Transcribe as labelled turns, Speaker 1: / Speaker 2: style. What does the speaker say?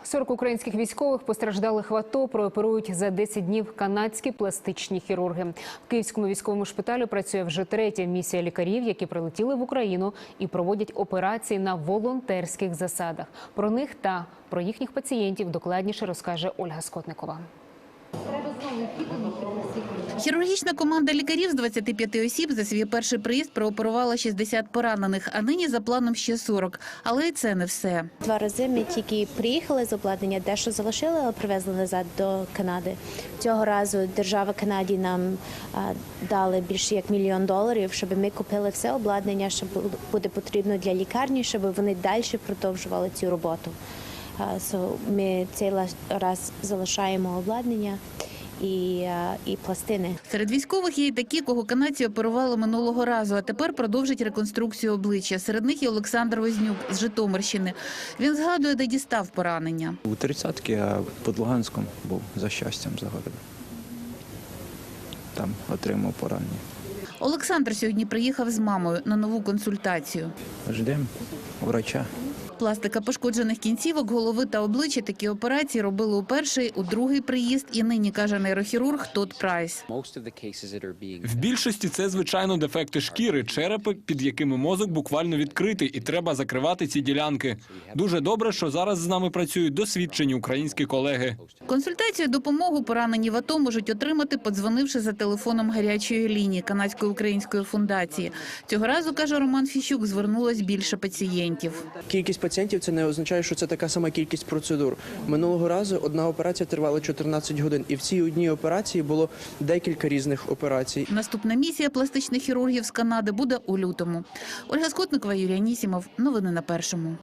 Speaker 1: 40 українських військових постраждалих в АТО прооперують за 10 днів канадські пластичні хірурги. В Київському військовому шпиталі працює вже третя місія лікарів, які прилетіли в Україну і проводять операції на волонтерських засадах. Про них та про їхніх пацієнтів докладніше розкаже Ольга Скотникова.
Speaker 2: Хірургічна команда лікарів з 25 осіб за свій перший приїзд прооперувала 60 поранених, а нині за планом ще 40. Але і це не все.
Speaker 3: 2 рази ми тільки приїхали з обладнання, дещо залишили, але привезли назад до Канади. Цього разу держава Канаді нам дали більше як $1 мільйон, щоб ми купили все обладнання, що буде потрібно для лікарні, щоб вони далі продовжували цю роботу. Ми цей раз залишаємо обладнання і пластини.
Speaker 2: Серед військових є і такі, кого канадці оперували минулого разу, а тепер продовжать реконструкцію обличчя. Серед них і Олександр Вознюк з Житомирщини. Він згадує, де дістав поранення.
Speaker 4: У 30-ки, а під Луганськом був за щастям за городом. Там отримав поранення.
Speaker 2: Олександр сьогодні приїхав з мамою на нову консультацію.
Speaker 4: Ждемо врача.
Speaker 2: Пластика пошкоджених кінцівок, голови та обличчя такі операції робили у перший, у другий приїзд і нині, каже нейрохірург Тодд Прайс.
Speaker 5: В більшості це, звичайно, дефекти шкіри, черепи, під якими мозок буквально відкритий, і треба закривати ці ділянки. Дуже добре, що зараз з нами працюють досвідчені українські колеги.
Speaker 2: Консультацію, допомогу поранені в АТО можуть отримати, подзвонивши за телефоном гарячої лінії Канадської української фундації. Цього разу, каже Роман Фіщук, звернулось більше пацієнтів.
Speaker 6: Кількість пацієнтів – це не означає, що це така сама кількість процедур. Минулого разу одна операція тривала 14 годин, і в цій одній операції було декілька різних операцій.
Speaker 2: Наступна місія пластичних хірургів з Канади буде у лютому. Ольга Скотникова, Юрій Анісімов. Новини на Першому.